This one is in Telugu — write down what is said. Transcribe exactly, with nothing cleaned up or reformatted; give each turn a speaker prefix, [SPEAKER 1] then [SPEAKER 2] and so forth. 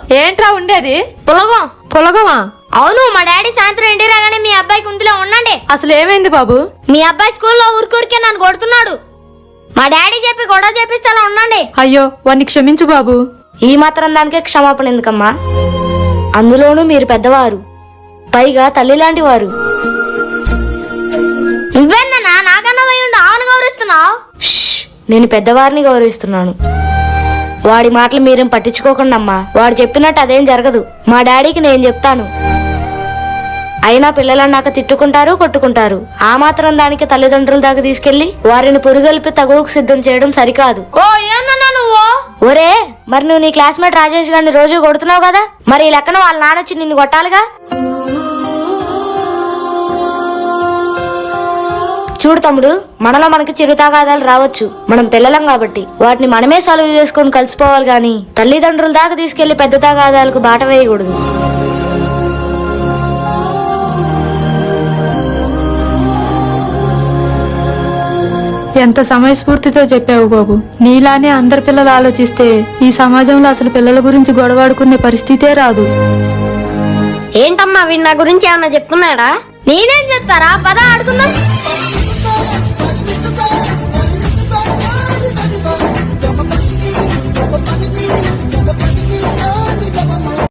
[SPEAKER 1] ఏంట్రా ఉండేది?
[SPEAKER 2] పులగం.
[SPEAKER 1] పులగమా?
[SPEAKER 2] అవును, మా డాడీ సాయంత్రం ఇంటి రాగానే మీ అబ్బాయి కుంతిలో ఉండండి.
[SPEAKER 1] అసలు ఏమైంది బాబు?
[SPEAKER 2] మీ అబ్బాయి స్కూల్లో ఊరికూరికే నన్ను కొడుతున్నాడు. మా డాడీ చెప్పి గొడవ చేపిస్తే అలా ఉండండి.
[SPEAKER 1] అయ్యో, వాణ్ణి క్షమించు బాబు.
[SPEAKER 2] ఈ మాత్రం దానికే క్షమాపణ ఎందుకమ్మా? అందులోనూ మీరు పెద్దవారు, పైగా తల్లి లాంటి వారు. నువ్వేనా నాకన్నా ఉండి ఆవును గౌరవిస్తున్నావు? నేను పెద్దవారిని గౌరవిస్తున్నాను. వాడి మాటలు మీరేం పట్టించుకోకండి అమ్మా. వాడు చెప్పినట్టు అదేం జరగదు. మా డాడీకి నేను చెప్తాను. అయినా పిల్లలన్నాక తిట్టుకుంటారు, కొట్టుకుంటారు. ఆ మాత్రం దానికి తల్లిదండ్రుల దాకా తీసుకెళ్లి వారిని పురుగొల్పి తగువకు సిద్ధం చేయడం సరికాదు. ఓ ఏమన్నా నువ్వు? ఒరే, మరి నువ్వు నీ క్లాస్మేట్ రాజేష్ గారిని రోజు కొడుతున్నావు కదా, మరి ఈ లెక్కన వాళ్ళ నాన్నొచ్చి నిన్ను కొట్టాలిగా. చూడు తమ్ముడు, మనలో మనకి చిరుతాగాదాలు రావచ్చు. మనం పిల్లలం కాబట్టి వాటిని మనమే సాల్వ్ చేసుకొని కలిసిపోవాలి గాని తల్లిదండ్రుల దాకా తీసుకెళ్లి పెద్ద తాగాదాలకు బాట వేయకూడదు.
[SPEAKER 1] ఎంత సమయస్ఫూర్తితో చెప్పావు బాబు. నీలానే అందరి పిల్లలు ఆలోచిస్తే ఈ సమాజంలో అసలు పిల్లల గురించి గొడవాడుకునే పరిస్థితే రాదు.
[SPEAKER 2] ఏంటమ్మా, వీడు నా గురించి ఏమన్నా చెప్తున్నాడా? నేనేం చెప్తారా? పద ఆడుకుందాం.